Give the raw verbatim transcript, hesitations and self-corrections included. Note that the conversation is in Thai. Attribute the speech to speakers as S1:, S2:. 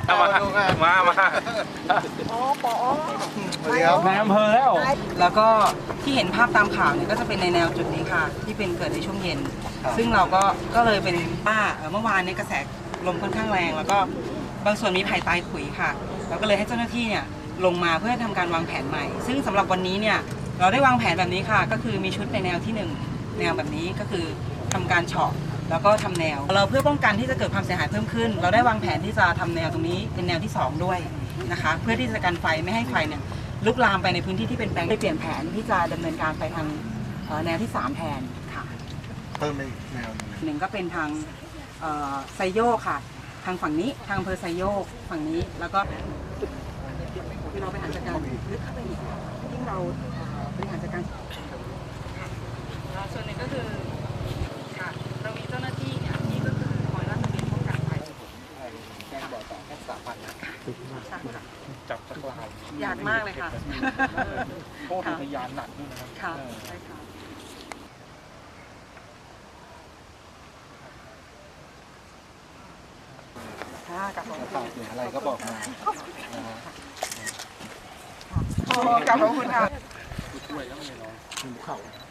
S1: มามามา
S2: อ๋อปอ
S3: สวัสดีครับ
S1: ในอำเภอแล้ว
S2: แล้วก็ที่เห็นภาพตามข่าวเนี่ยก็จะเป็นในแนวจุดนี้ค่ะที่เป็นเกิดในช่วงเย็นซึ่งเราก็ก็เลยเป็นป้าเมื่อวานนี้กระแสลมค่อนข้างแรงแล้วก็บางส่วนมีไผ่ตายขุยค่ะเราก็เลยให้เจ้าหน้าที่เนี่ยลงมาเพื่อทำการวางแผนใหม่ซึ่งสำหรับวันนี้เนี่ยเราได้วางแผนแบบนี้ค่ะก็คือมีชุดในแนวที่หนึ่งแนวแบบนี้ก็คือทำการเฉาะแล้วก็ทำแนวเราเพื่อป้องกันที่จะเกิดความเสียหายเพิ่มขึ้นเราได้วางแผนที่จะทำแนวตรงนี้เป็นแนวที่สองด้วยนะคะเพื่อที่จะกันไฟไม่ให้ไฟเนี่ยลุกลามไปในพื้นที่ที่เป็นแปลงได้เปลี่ยนแผนที่จะดำเนินการไปทางแนวที่สามแทนค่ะ
S3: เพิ่มไปแนว
S2: หนึ่งก็เป็นทางไซโยกค่ะทางฝั่งนี้ทางอำเภอไซโยกฝั่งนี้แล้วก็คือเราไปหาจัดการลึกเข้าไปอีกที่เราบริหารจัดการส่วนหนึ่งก็คือค่ะเรามีเจ้าหน้าที่เนี่ยที่ก็คือคอยรักษาป้องกันภัยแจ้งบอกต่อแค่สามพันนะ
S1: จับสักลาย
S2: ยากมากเลยค่ะ
S1: โทษพยานหนักด้วยนะครับ
S2: ค่ะใช่ค่ะค่ะกับผม
S3: อะไรก็บอกมา
S2: ขอบคุณค่ะ
S1: ช่วยแล้วไม่ร้องเข่า